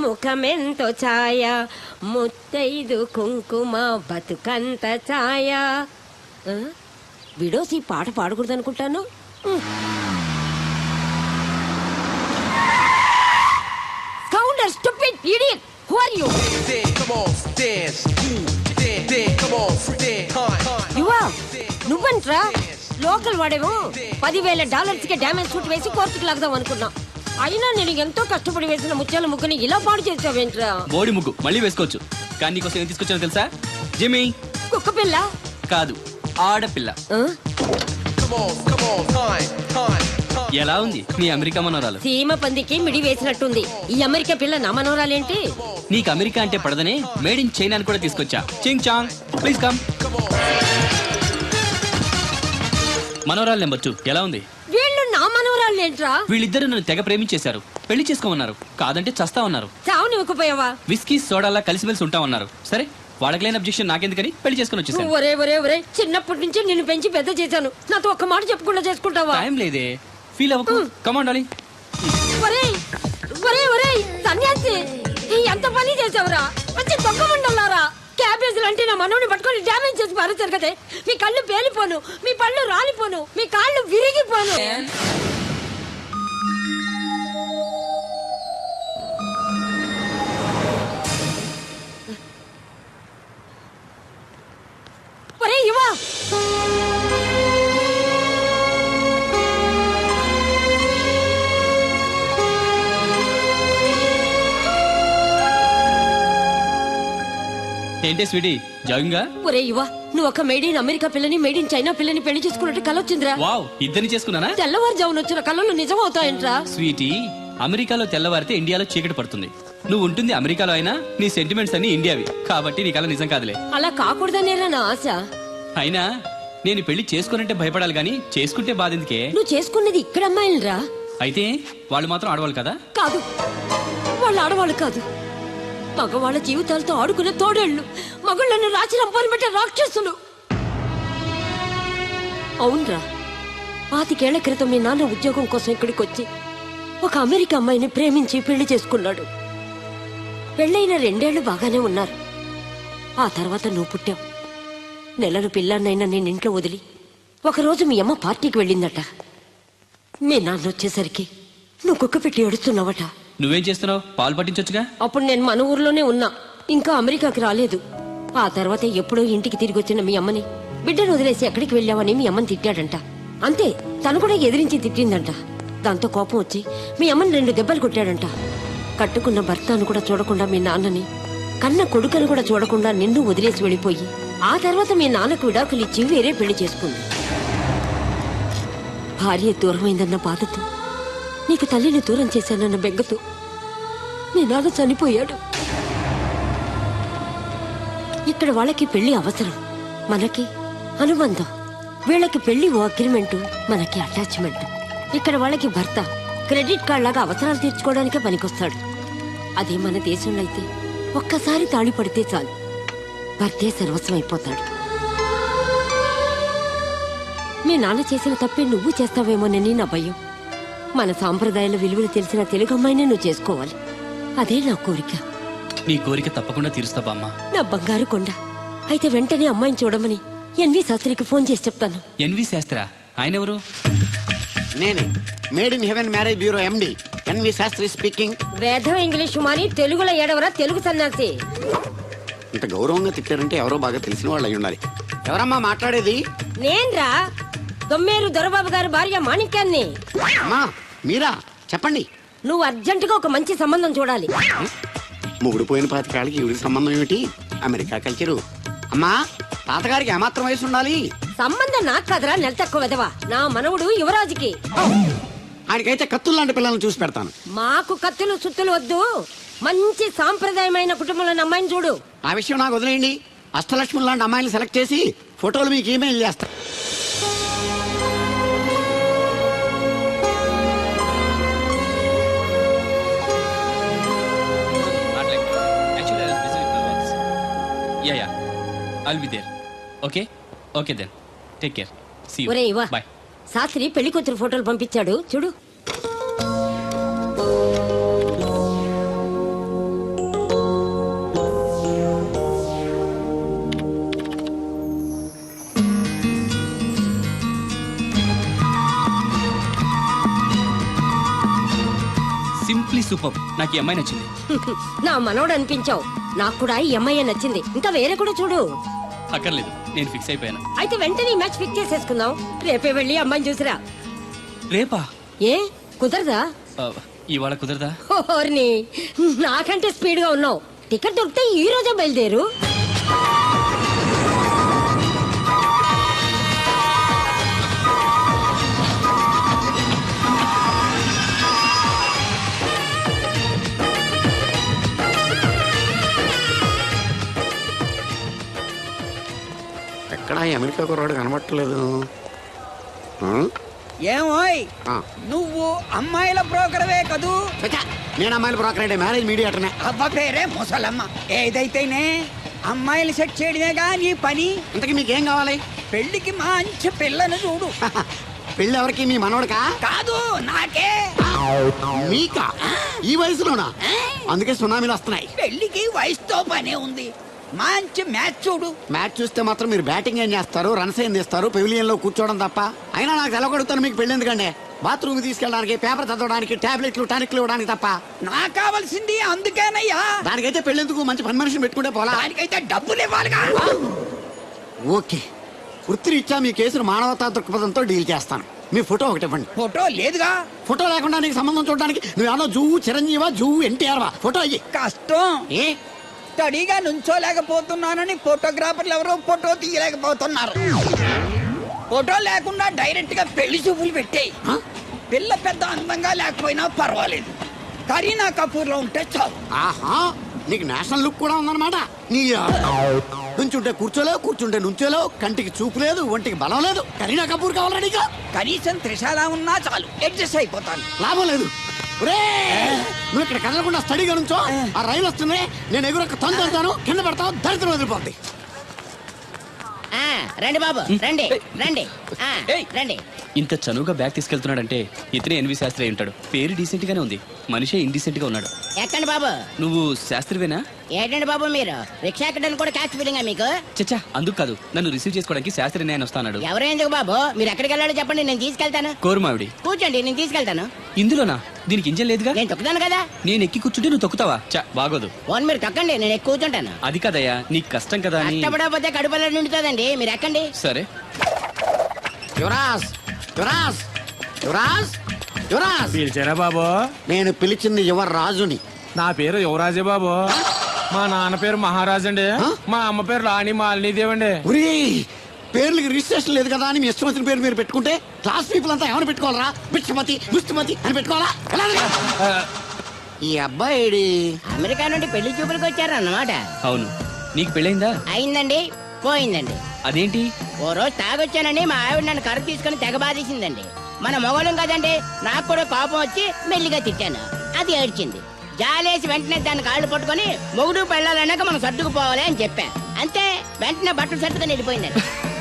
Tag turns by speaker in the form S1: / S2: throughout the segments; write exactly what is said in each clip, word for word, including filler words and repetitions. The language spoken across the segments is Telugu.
S1: ముఖమెంతో ఛాయ ముత్తైదు కుంకుమ బతుకంత ఛాయ. విడోసి పాట పాడకూడదు అనుకుంటాను. Scoundrel, stupid idiot! Who are you? Yuva, నువ్వంట్రా లోకల్ వాడేమో పదివేల డాలర్స్ కి డ్యామేజ్ సూట్ వేసి కోర్టుకు లాగదాం అనుకున్నా. అయినా నేను ఎంతో కష్టపడి వేసిన ముత్యాల ముగ్గుని ఇలా పాడు చేసావేంట్రా?
S2: బోడి ముగ్గు మళ్ళీ వేసుకోవచ్చు, కానీ నీకోసం ఏం తీసుకొచ్చానో తెలుసా? జిమ్మీ
S1: కుక్క పిల్ల
S2: కాదు, ఆడపిల్ల. ఎలా ఉంది నీ అమెరికా మనోరాలు?
S1: సీమ పందికి మిడి వేసినట్టుంది. ఈ అమెరికా పిల్ల నా మనోరాలేంటి?
S2: నీకు అమెరికా అంటే పడదనే మేడ్ ఇన్ చైనా అని కూడా తీసుకొచ్చా. Ching Chang, please come. మనోరాలు నెంబర్ టూ ఎలా ఉంది?
S1: వీళ్ళు నా మనోరాలేంట్రా?
S2: వీళ్ళిద్దరు నన్ను తెగ ప్రేమించేశారు, పెళ్లి చేసుకోమన్నారు. కాదంటే చస్తా ఉన్నారు.
S1: చావుని ఇవ్వకపోయావా?
S2: విస్కీ సోడాలా కలిసిమెలిసి ఉంటామన్నారు. సరే, వాళ్ళకి లేని అబ్జెక్షన్ నాకెందుకని పెళ్లి చేసుకుని వచ్చేసాను.
S1: ఒరే ఒరే ఒరే, చిన్నప్పటి నుంచి నిన్ను పెంచి పెద్ద చేశాను. నాతో ఒక్క మాట చెప్పకుండా చేసుకుంటావా?
S2: టైం లేదే, ఫీల్ అవ్వకు. Come on darling.
S1: ఒరే ఒరే ఒరే సన్యాసి, ఎంత పని చేసావురా? మంచి దొంగ మండలారా. క్యాబేజీలు అంటే నా మనోని పట్టుకొని డ్యామేజ్ చేసి పారేశారు కదే. మీ కళ్ళు పేలిపోను, మీ పళ్ళు రాలిపోను, మీ కాళ్ళు విరిగిపోను. ఒరే యువా,
S2: ఏంటే స్వీటీ, జాగింగా?
S1: ఒరే యువా, నువ్వు ఒక మేడ్ ఇన్ అమెరికా పిల్లని మేడ్ ఇన్ చైనా పిల్లని పెళ్లి చేసుకున్నట్టు కలొచ్చిందిరా.
S2: వావ్, ఇద్దరిని చేసుకున్నానా?
S1: తెల్లవారుజామున వచ్చిన కళలు నిజం అవుతాయంట్రా.
S2: స్వీటీ, అమెరికాలో తెల్లవారితే ఇండియాలో చీకటి పడుతుంది. నువ్వు ఉంటుంది అమెరికాలో అయినా నీ సెంటిమెంట్స్ అన్ని ఇండియావి కాబట్టి నీ కళ నిజం కాదులే.
S1: అలా కాకూడదనేరా నా ఆశ.
S2: అయినా నేను పెళ్లి చేసుకున్నట్టే భయపడాలి గానీ చేసుకుంటే బాధెందుకే?
S1: నువ్వు చేసుకున్నది ఇక్కడ అమ్మాయిలరా.
S2: అయితే వాళ్ళు మాత్రం ఆడవాళ్ళు కదా?
S1: కాదు, వాళ్ళు ఆడవాళ్ళు కాదు, మగవాళ్ళ జీవితాలతో ఆడుకునే తోడేళ్లు, మగళ్ళను రాచి రంపాలు పెట్టే రాక్షసులు. అవునరా, పాతికేళ్ల క్రితం మీ నాన్న ఉద్యోగం కోసం ఇక్కడికి వచ్చి ఒక అమెరికా అమ్మాయిని ప్రేమించి పెళ్లి చేసుకున్నాడు. పెళ్ళైన రెండేళ్లు బాగానే ఉన్నారు. ఆ తర్వాత నువ్వు పుట్టావు. నెలను పిల్లాన్నైనా నేను ఇంట్లో వదిలి ఒకరోజు మీ అమ్మ పార్టీకి వెళ్ళిందట. మీ నాన్న వచ్చేసరికి నువ్వు కుక్క పెట్టి ఏడుస్తున్నావట.
S2: నువ్వేం చేస్తున్నావు? పాలు పట్టించొచ్చుగా.
S1: అప్పుడు నేను మన ఊర్లోనే ఉన్నా, ఇంకా అమెరికాకి రాలేదు. ఆ తర్వాత ఎప్పుడో ఇంటికి తిరిగి వచ్చిన మీ అమ్మని బిడ్డను వదిలేసి ఎక్కడికి వెళ్ళావని మీ అమ్మని తిట్టాడంట. అంతే, తను కూడా ఎదిరించి తిట్టిందంట. దాంతో కోపం వచ్చి మీ అమ్మని రెండు దెబ్బలు కొట్టాడంట. కట్టుకున్న భర్తను కూడా చూడకుండా మీ నాన్నని, కన్న కొడుకును కూడా చూడకుండా నిన్ను వదిలేసి వెళ్ళిపోయి ఆ తర్వాత మీ నాన్నకు విడాకులు ఇచ్చి వేరే పెళ్లి చేసుకుంది. భార్య దూరమైందన్న బాధతో, నీకు తల్లిని దూరం చేశానన్న బెంగతో నీ నాన్న చనిపోయాడు. ఇక్కడ వాళ్ళకి పెళ్లి అవసరం, మనకి అనుబంధం. వీళ్ళకి పెళ్లి ఓ అగ్రిమెంటు, మనకి అటాచ్మెంట్. ఇక్కడ వాళ్ళకి భర్త క్రెడిట్ కార్డ్ లాగా అవసరాలు తీర్చుకోవడానికే పనికొస్తాడు. అదే మన దేశంలో అయితే ఒక్కసారి తాళి పడితే చాలు, భర్తే సర్వస్వం అయిపోతాడు. మీ నాన్న చేసిన తప్పే నువ్వు చేస్తావేమోనని నా భయం. మన సాంప్రదాయాల విలువలు తెలిసిన తెలుగు అమ్మాయినే నువ్వు చేసుకోవాలి, అదే నా కోరిక.
S2: నీ కోరిక తప్పకుండా తీరుస్తా బామ్మ.
S1: నా బంగారు కొండ. అయితే వెంటనే అమ్మాయిని చూడమని ఎన్వి శాస్త్రికి ఫోన్ చేసి చెప్తాను.
S2: ఎన్వి శాస్త్రా? ఆయన ఎవరు?
S3: నేనే, made in heaven marriage bureau MD NV Shastri speaking.
S1: వేదం ఇంగ్లీష్ మాని తెలుగులో ఏడవరా తెలుగు సన్యాసి.
S3: ఇంత గౌరవంగా తిట్టారంటే ఎవరో బాగా తెలిసిన వాళ్ళు అయి ఉండాలి. ఎవరమ్మా మాట్లాడేది?
S1: నేన్రా, దొమ్మేరు దొరబాబు గారి భార్య మాణిక్యాన్ని.
S3: అమ్మా మీరా? చెప్పండి.
S1: నువ్వు అర్జెంటుగా ఒక మంచి సంబంధం చూడాలి.
S3: ముగుడు పోయిన పాతికాళ్ళకి ఈవిడికి సంబంధం ఏమిటి? America culture. అమ్మా, తాతగారికి ఏమాత్రం వయసు ఉండాలి?
S1: సంబంధం నాకు కదరా, నెల తక్కువ వెదవా. నా మనవుడు యువరాజుకి.
S3: ఆయనకైతే కత్తులు లాంటి పిల్లల్ని చూసి పెడతాను.
S1: మాకు కత్తులు సుత్తులు వద్దు, మంచి సాంప్రదాయమైన కుటుంబంలో అమ్మాయిని చూడు.
S3: ఆ విషయం నాకు వదిలేయండి. అష్టలక్ష్మి లాంటి అమ్మాయిని సెలెక్ట్ చేసి ఫోటోలు మీకు ఈమెయిల్ చేస్తా.
S2: Yeah, yeah. I'll be there. Okay? Okay then. Take care. See you.
S1: ఒరే ఇవా,
S2: Bye.
S1: శాస్త్రి పెళ్లి కూతురు ఫోటోలు పంపించాడు చూడు.
S2: సూపర్. నాకు ఈ అమ్మాయి నచ్చింది.
S1: నా మనోడు అనిపించావు. నాకు కూడా ఈ అమ్మాయి నచ్చింది. ఇంకా వేరే కూడా చూడు.
S2: అక్కర్లేదు, నేను ఫిక్స్ అయిపోయాను.
S1: అయితే వెంటనే ఈ మ్యాచ్ ఫిక్స్ చేసేసుకుందాం. రేపే వెళ్ళి అమ్మాయిని చూసిరా.
S2: రేపా?
S1: ఏ కుదరదా?
S2: ఆ, ఇవాళ కుదరదా?
S1: ఓర్ని, నాకంటే స్పీడ్ గా ఉన్నావు. టికెట్ దొరికితే ఈ రోజే బయలుదేరు.
S3: ఎక్కడ ఈ అమెరికా కుర్రాడు కనబట్టలేదు.
S4: ఏమోయ్
S3: ఆ.
S4: నువ్వు అమ్మాయిల బ్రోకర్వే కదూ?
S3: చచ్చా, నేను అమ్మాయిల బ్రోకర్ అంటే మ్యారేజ్ మీడియాటర్నే.
S4: అబ్బ పేరే ముసలమ్మ. ఏదైతేనే అమ్మాయిలు సెట్ చేయడమేగా నీ పని.
S3: ఇంతకీ మీకేం కావాలి?
S4: పెళ్లికి మంచి పిల్లను చూడు.
S3: పెళ్ళి ఎవరికి? మీ మనవడకా?
S4: కాదు, నాకే.
S3: మీకా? ఈ వయసులోనా? అందుకే సునామీలు వస్తున్నాయి.
S4: పెళ్లికి వయసుతో పనే ఉంది. మంచి మ్యాచ్ చూడు.
S3: మ్యాచ్ చూస్తే మాత్రం మీరు బ్యాటింగ్ ఏం చేస్తారు, రన్స్ ఏం తీస్తారు, పెవిలియన్ లో కూర్చోవడం తప్ప. అయినా నాకు తెలగొడుతాను మీకు పెళ్లి ఎందుకండి? బాత్రూమ్ తీసుకెళ్ళడానికి, పేపర్ చదవడానికి, టాబ్లెట్లు టానిక్లు ఇవ్వడానికి తప్ప.
S4: నాకు కావాల్సింది అందుకేనయ్యా.
S3: దానికైతే పెళ్ళెందుకు? మంచి పని మనిషిని పెట్టుకుంటే పోలా.
S4: దానికైతే డబ్బులు ఇవ్వాలిగా.
S3: ఓకే, వృత్తిరీత్యా మీ కేసును మానవతా దృక్పథంతో డీల్ చేస్తాను. మీ ఫోటో ఒకటి ఇవ్వండి.
S4: ఫోటో లేదుగా.
S3: ఫోటో లేకుండా నీకు సంబంధం చూడడానికి నువ్వేమో జూ చిరంజీవా, జూ ఎన్టీఆర్ వా? ఫోటో అయ్యి.
S4: కష్టం.
S3: ఏ
S4: స్టడీగా నుంచోలేకపోతున్నానని ఫోటోగ్రాఫర్లు ఎవరో ఫోటో తీయలేకపోతున్నారు. ఫోటో లేకుండా డైరెక్ట్ గా పెళ్లి చూపులు పెట్టేయి.
S3: హ?
S4: పిల్ల పెద్ద అందంగా లేకపోయినా పర్వాలేదు, కరీనా కపూర్ లో ఉంటే చాలు.
S3: ఆహా, నీకు నేషనల్ లుక్ కూడా ఉందన్నమాట. నీ నుంచుంటే కూర్చోలేవు, కూర్చుంటే నుంచోలేవు, కంటికి చూపు లేదు, ఒంటికి బలం లేదు. కరీనా కపూర్ కావాలా నీకు?
S4: కనీసం త్రిశాల ఉన్నా చాలు, అడ్జస్ట్ అయిపోతాను.
S3: లాభం లేదు. నువ్వు ఇక్కడ కదలకుండా స్టడీగా నుంచో. ఆ రైలు వస్తుంది, నేను ఎగురొక్క తొందరతాను, కింద పడతావు, దరిద్రం వదిలిపోద్ది.
S5: ఆ, రండి బాబు, రండి రండి ఆ, రండి.
S2: ఇంత చనువుగా బ్యాగ్ తీసుకెళ్తున్నాడంటే ఇతనే ఎన్వి శాస్త్రి అయి ఉంటాడు. పేరు డీసెంట్ గానే ఉంది, మనిషే ఇండీసెంట్ గా ఉన్నాడు.
S5: ఎక్కండి బాబు.
S2: నువ్వు శాస్త్రివేనా?
S5: ఏంటండి బాబు మీరు రిక్షా ఎక్కడానికి కూడా క్యాచ్ ఫీలింగా మీకు?
S2: చచ్చా, అందుకు కాదు, నన్ను రిసీవ్ చేసుకోవడానికి శాస్త్రి నేను వస్తాడు.
S5: ఎవరు ఎందుకు బాబు? మీరు ఎక్కడికి వెళ్ళాలో చెప్పండి, నేను తీసుకెళ్తాను.
S2: కోరుమావిడి.
S5: కూర్చోండి, నేను తీసుకెళ్తాను.
S2: ఇందులోనా? దీనికి ఇంజన్ లేదుగా.
S5: నేను తొక్కుతాను కదా.
S2: నేను ఎక్కి కూర్చుంటే నువ్వు తొక్కుతావా? చా, బాగోదు.
S5: ఫోన్ మీరు తొక్కండి, నేను ఎక్కి కూర్చుంటాను.
S2: అది కదయ్యా, నీకు కష్టం కదా అని.
S5: కష్టపడకపోతే కడుపులో నిండుతుందండి, మీరు ఎక్కండి.
S2: సరే.
S3: యువరాజ్, యువరాజ్, యువరాజ్, యువరాజ్.
S6: పిలిచారా బాబు?
S3: నేను పిలిచింది యువరాజుని.
S6: నా పేరు యువరాజే బాబు. మా నాన్న పేరు మహారాజ్ అండి.
S3: ఆ?
S6: మా అమ్మ పేరు రాణి మాలినీదేవి అండి.
S3: ఒరే, పేర్లకి రిజిస్ట్రేషన్ లేదు కదా అని మీ ఇష్టం వచ్చిన పేరు మీరు పెట్టుకుంటే క్లాస్ పీపుల్ అంతా ఏమైనా పెట్టుకోవాలరా? బిచ్చమతి, ముష్టిమతి అని పెట్టుకోవాలా? ఎలా?
S6: ఆ,
S3: ఈ అబ్బాయి
S5: అమెరికా నుండి పెళ్లి చూపులకు వచ్చారు అన్నమాట.
S2: అవును, నీకు పెళ్ళైందా?
S5: అయిందండి, పోయిందండి.
S2: అదేంటి?
S5: ఓ రోజు తాగొచ్చానని మా ఆవిడ నన్ను కరుపు తీసుకుని తెగ బాధేసిందండి. మన మొగలం కదండి, నాకు కూడా కోపం వచ్చి మెల్లిగా తిట్టాను. అది ఏడ్చింది. జాలేసి వెంటనే దాన్ని కాళ్ళు పట్టుకొని మొగుడు పెళ్ళాలన్నాక మనం సర్దుకుపోవాలి అని చెప్పా. అంతే, వెంటనే బట్టలు సర్దుకొని వెళ్ళిపోయిందండి.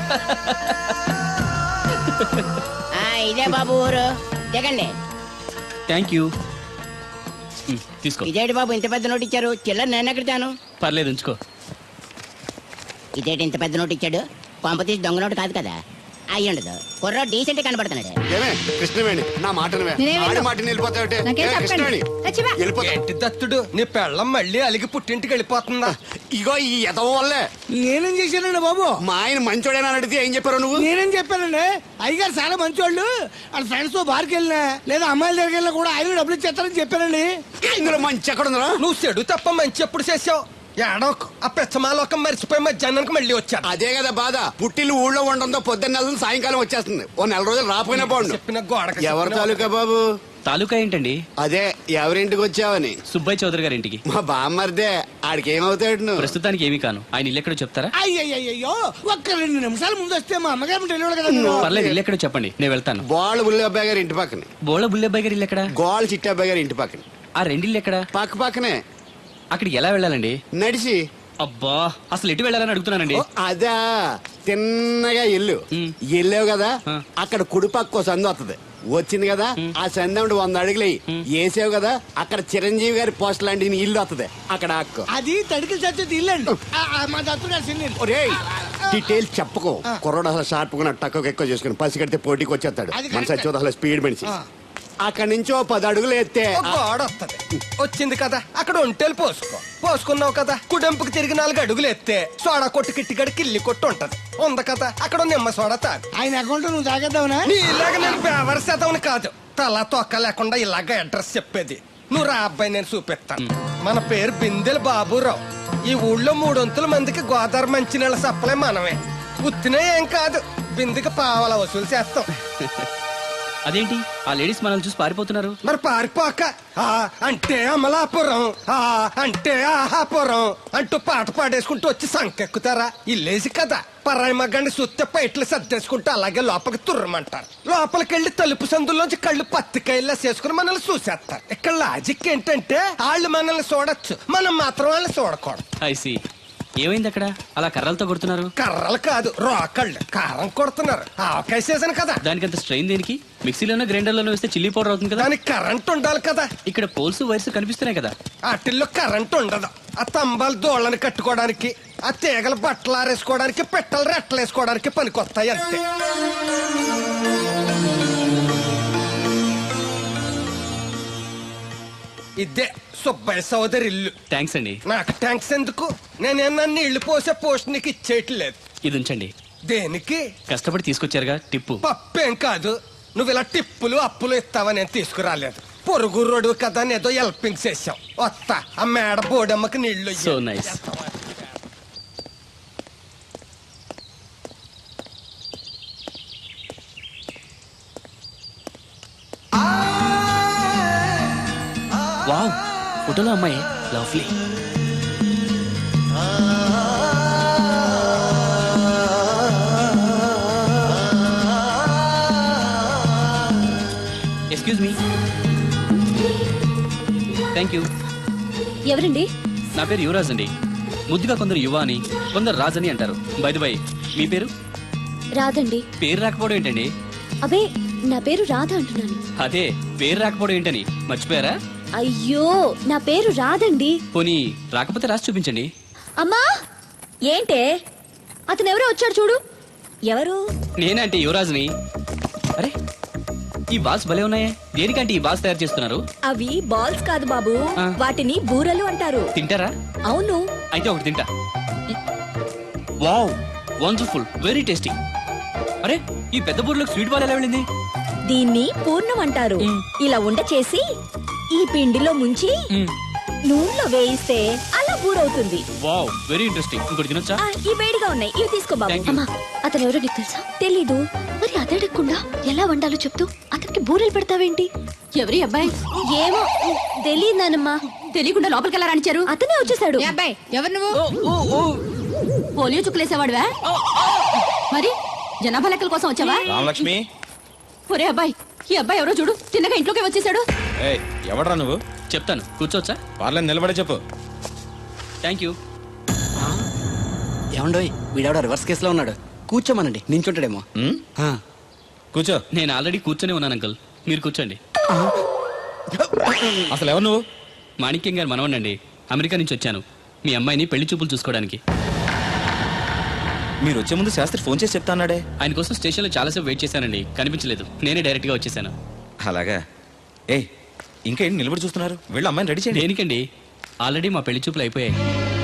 S5: ఆ, ఇదే బాబు ఊరు, దిగండి.
S2: Thank you. ఉమ్, తీసుకో.
S5: ఇదేంటి బాబు ఇంత పెద్ద నోటు ఇచ్చారు? చిల్లర నేను ఎక్కడతాను.
S2: పర్లేదు, ఉంచుకో.
S5: ఇదేంటి ఇంత పెద్ద నోటు ఇచ్చాడు? కొంప తీసి దొంగ నోటు కాదు కదా? అయ్యి ఉండదు, కుర్ర డీసెంట్ కనబడుతున్నాడు.
S3: ఏమే కృష్ణవేణి, నా మాట మాట వెళ్ళిపోతావుటే.
S7: ఏంటి దత్తుడు, నీ పెళ్ళం మళ్ళీ అలిగి పుట్టింటికి వెళ్ళిపోతుందా?
S3: ఇగో ఈ ఎదవ వల్లే.
S6: నేనేం చేశానండి బాబు?
S3: మా ఆయన మంచోడేనా అని అడిగితే ఏం చెప్పారు నువ్వు?
S6: నేనేం చెప్పానండి? అయ్యగారు చాలా మంచోళ్ళు. వాళ్ళ ఫ్రెండ్స్ తో బార్కి వెళ్ళినా లేదా అమ్మాయిల దగ్గరికి వెళ్ళినా కూడా ఆయన డబ్బులు ఇచ్చేస్తారని చెప్పానండి.
S3: ఇందులో మంచి ఎక్కడ ఉందా?
S7: నువ్వు చెడు తప్ప మంచి ఎప్పుడు చేసావు? ఏడోకు ఆ పెచ్చమాలోకం మర్చిపోయి మధ్యాహ్నానికి మళ్ళీ వచ్చా.
S3: అదే కదా బాధ. పుట్టిల్లు ఊళ్ళో ఉండడంతో పొద్దున్న నెలలు సాయంకాలం వచ్చేస్తుంది. ఓ నెల రోజులు రాపోయినా బాగుండు.
S7: చెప్పిన గోడకి
S3: ఎవరి తాలూకా బాబు?
S2: తాలూకా ఏంటండి?
S3: అదే ఎవరింటికి వచ్చావని.
S2: సుబ్బయ్య చౌదరి గారి ఇంటికి.
S3: మా బామ్మర్దే. ఆడికి ఏమవుతాడు నువ్వు?
S2: ప్రస్తుతానికి ఏమీ కాను. ఆయన ఇల్లు ఎక్కడో చెప్తారా?
S6: అయ్యయ్యో, ఒక్క రెండు నిమిషాలు ముందు వస్తే మా అమ్మగారు తెలియదు కదా మీరు.
S2: పర్లేదు, ఇల్లు ఎక్కడో చెప్పండి, నేను వెళ్తాను.
S3: గోళ్ళ బుల్లి అబ్బాయి గారి ఇంటి పక్కన.
S2: బోళ బుల్లెబ్బాయి గారి ఇల్లు ఎక్కడ?
S3: గోళ్ళ చిట్టి అబ్బాయి గారి ఇంటి పక్కన.
S2: ఆ రెండిల్లు ఎక్కడ?
S3: పక్క పక్కనే.
S2: అక్కడికి ఎలా వెళ్ళాలండి?
S3: నడిచి.
S2: అబ్బా, అసలు ఎటు వెళ్ళాలని అడుగుతున్నానండి.
S3: ఓ, అదా తిన్నగా ఇల్లు
S2: ఉమ్.
S3: వెళ్ళావు కదా,
S2: ఆ.
S3: అక్కడ కుడిపక్క ఓ సందు వస్తుంది. వచ్చింది కదా, ఆ సందు అంటే వంద అడుగులు వేసావు కదా, అక్కడ చిరంజీవి గారి పోస్ట్ లాంటి నీ ఇల్లు వస్తుంది. అక్కడ అక్క
S6: అది తడికి చచ్చేది ఇల్లండి. మా దత్తు గారు సిన్ని.
S3: డీటెయిల్స్ చెప్పుకో. కుర్రోడు అసలు షార్ప్ గా టక్కు ఎక్కువ చేసుకుని పసి కడితే పోటీకి వచ్చేస్తాడు.
S6: అది
S3: మన
S6: కరెక్టే.
S3: సచ్చి అసలు స్పీడ్ మనిషి.
S6: ఆ.
S3: అక్కడి నుంచి ఓ పది అడుగులు ఎత్తే
S7: ఓ గోడ వస్తది వచ్చింది కదా అక్కడ ఒంటేలు పోసుకో పోసుకున్నావు కదా కుడెంపుకి తిరిగి నాలుగు అడుగులు ఎత్తే సోడా కొట్టు కిట్టిగడి కిల్లి కొట్టు ఉంటది ఉంది కదా అక్కడ నిమ్మ సోడా తాగు
S6: ఆయన అకౌంట్ నువ్వు తాగేద్దావునా?
S7: నీలాగా నేను పేవర్ శాతం కాదు తల తొక్క లేకుండా ఇలాగ అడ్రస్ చెప్పేది నువ్వు రా అబ్బాయి నేను చూపిస్తాను మన పేరు బిందెల బాబురావు ఈ ఊళ్ళో మూడొంతుల మందికి గోదావరి మంచినీళ్ళ సప్లై మనమే ఉత్తినే ఏం కాదు బిందెకి పావల వసూలు చేస్తాం
S2: అదేంటి ఆ లేడీస్ మనల్ని చూసి పారిపోతున్నారు?
S7: మరి పారిపోక ఆ అంటే అమలాపురం ఆ అంటే ఆహాపురం అంటూ పాట పాడేసుకుంటూ వచ్చి సంకెక్కుతారా ఇల్లేసి కదా పరాయి మగ్గండి సుత్తే పైట్లు సర్దేసుకుంటూ అలాగే లోపలికి తుర్రమంటారు లోపలికి వెళ్ళి తలుపు సందులోంచి కళ్ళు పత్తికాయల్లా చేసుకుని మనల్ని చూసేస్తారు ఇక్కడ లాజిక్ ఏంటంటే వాళ్ళు మనల్ని చూడొచ్చు మనం మాత్రం వాళ్ళని చూడకూడదు
S2: ఐసి ఏమైంది అక్కడ అలా కర్రలతో కొడుతున్నారు?
S7: కర్రలు కాదు రోకళ్ళు కారం కొడుతున్నారు ఆవకాయ సీజన్ కదా
S2: దానికంత స్ట్రెయిన్ దేనికి? మిక్సీలోనో గ్రైండర్లోనో వేస్తే చిల్లీ పౌడర్ అవుతుంది కదా.
S7: దానికి కరెంట్ ఉండాలి కదా
S2: ఇక్కడ పోల్స్ వైర్స్ కనిపిస్తున్నాయి కదా.
S7: వాటిల్లో కరెంట్ ఉండదు ఆ తంబాలు దోళ్ళని కట్టుకోవడానికి ఆ తీగలు బట్టలు ఆరేసుకోవడానికి పెట్టలు రెట్టలు వేసుకోవడానికి పనికొస్తాయి అంతే ఇదే సుబ్బయ్య సోదరి ఇల్లు
S2: థ్యాంక్స్ అండి.
S7: నాకు ట్యాంక్స్ ఎందుకు నేనేమన్నా నీళ్లు పోసే పోస్ట్ నీకు ఇచ్చేయట్లేదు
S2: ఇది ఉంచండి.
S7: దేనికి
S2: కష్టపడి తీసుకొచ్చారుగా టిప్పు.
S7: పప్పేం కాదు నువ్వు ఇలా టిప్పులు అప్పులు ఇస్తావని నేను తీసుకురాలేదు పొరుగు రోడ్డు కదా అని ఏదో హెల్పింగ్ చేసావు వస్తా ఆ మేడ బోడమ్మకి నీళ్లు
S2: సో నైస్. వావ్ ఫోటోలో అమ్మాయి lovely. Excuse me. Thank you.
S8: ఎవరండి?
S2: నా పేరు యువరాజ్ అండి. ముద్దుగా కొందరు యువ అని కొందరు రాజ్ అని అంటారు. బై ది బై మీ పేరు?
S8: రాదండి.
S2: పేరు రాకపోవడం ఏంటండి?
S8: అబే నా పేరు రాధ అంటున్నాను.
S2: అదే పేరు రాకపోవడం ఏంటని మర్చిపోయారా?
S8: అయ్యో నా పేరు రాదండి.
S2: పోనీ రాకపోతే రాసి చూపించండి.
S8: అమ్మా ఏంటే అతను ఎవరో వచ్చాడు చూడు. ఎవరు?
S2: నేనంటే యువరాజ్ని. అరే ఈ బాల్స్ భలే ఉన్నాయే. దేనికంటే ఈ బాల్స్ తయారు చేస్తున్నారు?
S8: అవి బాల్స్ కాదు బాబు,
S2: ఆ.
S8: వాటిని బూరలు అంటారు.
S2: తింటారా?
S8: అవును.
S2: అయితే ఒకటి తింటా. Wow wonderful very tasty. అరే ఈ పెద్ద బూర్లోకి స్వీట్ బాల్ ఎలా వెళ్ళింది?
S8: దీన్ని పూర్ణం అంటారు. ఇలా ఉండ చేసి ఈ పిండిలో ముంచి నూనెలో వేయిస్తే అలా బూరవుతుంది.
S2: Wow very interesting. ఇంకోటి తినొచ్చా?
S8: ఆ, ఈ వేడిగా ఉన్నాయి, ఇవి తీసుకో బాబు.
S2: Thank you.
S8: అమ్మా అతను ఎవరో నీకు తెలుసా? తెలీదు. మరి అదడగకుండా ఎలా వండాలో చెప్తూ అతనికి బూరెలు పెడతావేంటి?
S1: ఎవరి అబ్బాయి?
S8: ఏమో తెలియదానమ్మా.
S1: తెలియకుండా లోపలికి ఎలా రాణించారు?
S8: అతనే వచ్చేసాడు.
S1: అబ్బాయి ఎవరు నువ్వు? పోలియో చుక్కులేసేవాడువా? మరి జనాభా లెక్కల కోసం వచ్చావా?
S9: రామలక్ష్మి.
S1: ఒరే అబ్బాయి ఈ అబ్బాయి ఎవరో చూడు, తిన్నగా ఇంట్లోకి వచ్చేసాడు.
S9: ఏయ్ ఎవడ్రా నువ్వు?
S2: చెప్తాను కూర్చోవచ్చా?
S9: వాళ్ళని నిలబడే చెప్పు.
S2: Thank you.
S3: ఏమండోయ్ వీడెవడో రివర్స్ కేసులో ఉన్నాడు. కూర్చోమనండి నించుంటాడేమో.
S9: ఉమ్,
S3: ఆ.
S9: కూర్చో.
S2: నేను ఆల్రెడీ కూర్చొని ఉన్నాను అంకుల్, మీరు కూర్చోండి.
S9: అసలు ఎవరు నువ్వు?
S2: మాణిక్యం గారు మనవనండి. అమెరికా నుంచి వచ్చాను మీ అమ్మాయిని పెళ్లి చూపులు చూసుకోవడానికి.
S9: మీరు వచ్చే ముందు శాస్త్రి ఫోన్ చేసి చెప్తా అన్నాడే.
S2: ఆయన కోసం స్టేషన్లో చాలాసేపు వెయిట్ చేశానండి, కనిపించలేదు. నేనే డైరెక్ట్గా వచ్చేసాను.
S9: అలాగా. ఏయ్ ఇంకా ఏంటి నిలబడి చూస్తున్నారు? వీళ్ళ అమ్మాయిని రెడీ చేయండి.
S2: దేనికండి? ఆల్రెడీ మా పెళ్లి చూపులు అయిపోయాయి.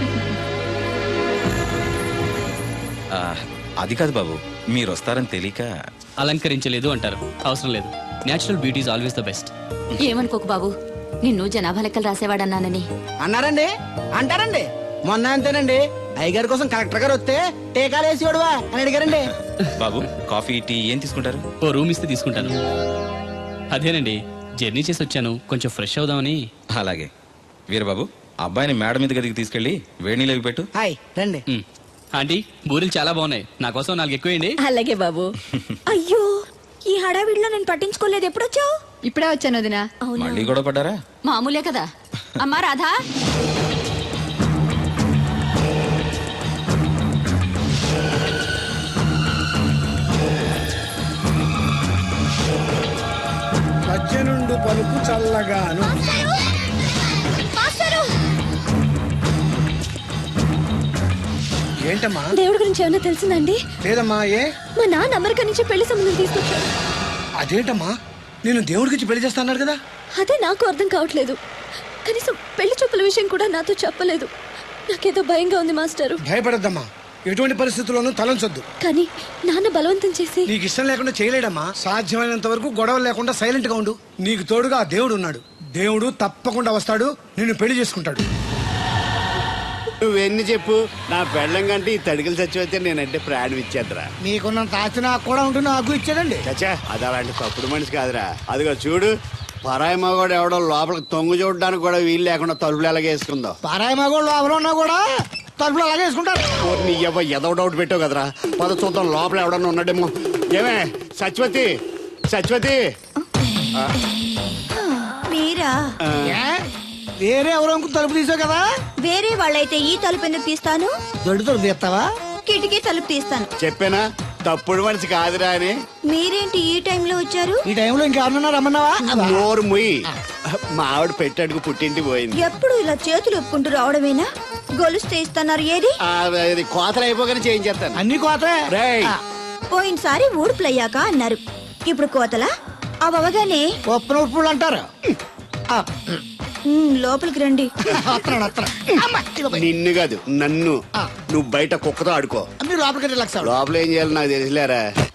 S9: ఆ, అది కాదు బాబు, మీరు వస్తారని తెలియక.
S2: అలంకరించలేదు అంటారు, అవసరం లేదు. Natural beauty is always the best.
S1: ఏమనుకోకు బాబు, నిన్ను జనాభా లెక్కలు రాసేవాడన్నానని.
S6: అన్నారండి అంటారండి. మొన్న అంతేనండి అయ్యగారి కోసం కలెక్టర్ గారు వస్తే టీకాలు వేసి వాడువా అని అడిగారండి.
S9: బాబు కాఫీ టీ ఏం తీసుకుంటారు?
S2: ఓ రూమ్ ఇస్తే తీసుకుంటాను. అదేనండి జర్నీ చేసి వచ్చాను, కొంచెం ఫ్రెష్ అవుదామని.
S9: అలాగే. వీరబాబు అబ్బాయిని మేడ మీద గదికి తీసుకెళ్లి వేడి నీళ్ళు పెట్టు.
S6: హాయ్ రండి.
S2: మ్. ఆంటీ బూరెలు చాలా బాగున్నాయి, నా కోసం నాలుగు ఎక్కువేయండి.
S8: అలాగే బాబు. అయ్యో ఈ హడావిడిలో నేను పట్టించుకోలేదు. ఎప్పుడొచ్చావు?
S1: ఇప్పుడే వచ్చాను వదినా.
S9: మళ్ళీ గొడవ పడ్డారా?
S1: మామూలే కదా. అమ్మా రాధా,
S6: పచ్చనుండు పలుకు చల్లగాను. ఏంటమ్మా?
S8: దేవుడి గురించి ఏమైనా తెలిసిందండి?
S6: లేదమ్మా. ఏ?
S8: మా నాన్న అమెరికా నుంచి పెళ్లి సంబంధం తీసుకొచ్చాడు.
S6: అదేంటమ్మా నేను దేవుడికి పెళ్లి చేస్తా అన్నాడు కదా.
S8: అదే నాకు అర్థం కావట్లేదు. కనీసం పెళ్లి చూపుల విషయం కూడా నాతో చెప్పలేదు. నాకేదో భయంగా ఉంది మాస్టారు.
S6: భయపడద్దమ్మా, ఎటువంటి పరిస్థితుల్లోనూ తలంచొద్దు.
S8: కానీ నాన్న బలవంతం చేసి
S6: నీకు ఇష్టం లేకుండా చేయలేడమ్మా. సాధ్యమైనంత వరకు గొడవలు లేకుండా సైలెంట్ గా ఉండు. నీకు తోడుగా ఆ దేవుడు ఉన్నాడు. దేవుడు తప్పకుండా వస్తాడు, నిన్ను పెళ్లి చేసుకుంటాడు.
S3: నువ్వెన్ని చెప్పు, నా పెళ్ళం కంటే ఈ తడికలు చచ్చిపోతే నేనంటే ప్రాణం ఇచ్చేద్దరా.
S6: మీకున్నంత ఆస్తి నాకు కూడా ఉంటుంది, నాకు ఇచ్చాడండి.
S3: చచ్చా, అది అలాంటి తప్పుడు మనిషి కాదురా. అదిగో చూడు, పరాయి మగవాడు ఎవడో లోపలికి తొంగు చూడడానికి కూడా వీలు లేకుండా తలుపులు ఎలాగే వేసుకుందో.
S6: పారాయి మగోళ్ళు ఎవరు ఉన్నా కూడా తలుపులు అలాగే వేసుకుంటారు.
S3: నీ ఎవ ఎదవ డౌట్ పెట్టావు కదరా. పద చూద్దాం లోపల ఎవడన్నా ఉన్నాడేమో. ఏమే సత్యవతి, సత్యవతి.
S8: మీరా?
S6: ఏ? వేరే ఎవరో ఇంకో తలుపు తీసావు కదా.
S8: వేరే వాళ్ళైతే ఈ తలుపు ఎందుకు తీస్తాను?
S6: దొడ్డు తలుపు తీస్తావా?
S8: కిటికీ తలుపు తీస్తాను.
S3: చెప్పానా తప్పుడు మనిషి కాదురా అని.
S8: మీరేంటి ఈ టైంలో వచ్చారు?
S6: ఈ టైంలో ఇంకెవరన్నా రమ్మన్నావా?
S3: నోరు ముయ్యి. మా ఆవిడ పెట్టాడుకు పుట్టింటి పోయింది.
S8: ఎప్పుడు ఇలా చేతులు ఒప్పుకుంటూ రావడమేనా? గొలుస్తే ఇస్తున్నారు ఏది?
S3: ఆ, అది కోతలు అయిపోగానే చేయించేస్తాను.
S6: అన్ని కోతే.
S3: రేయ్,
S8: పోయినసారి ఊడుపులయ్యాక అన్నారు, ఇప్పుడు కోతలా? అవగానే
S6: ఉప్పు ఉప్పులు అంటారు. ఆ,
S8: లోపలికి రండి.
S6: వస్తున్నాడు, వస్తున్నాడు. అమ్మా, ఇదిగో పోయి.
S3: నిన్ను కాదు నన్ను.
S6: ఆ.
S3: నువ్వు బయట కుక్కతో ఆడుకో.
S6: మీరు లోపలికి రిలాక్స్ అవ్వండి.
S3: లోపల ఏం చేయాలి నాకు తెలిసిలేరా.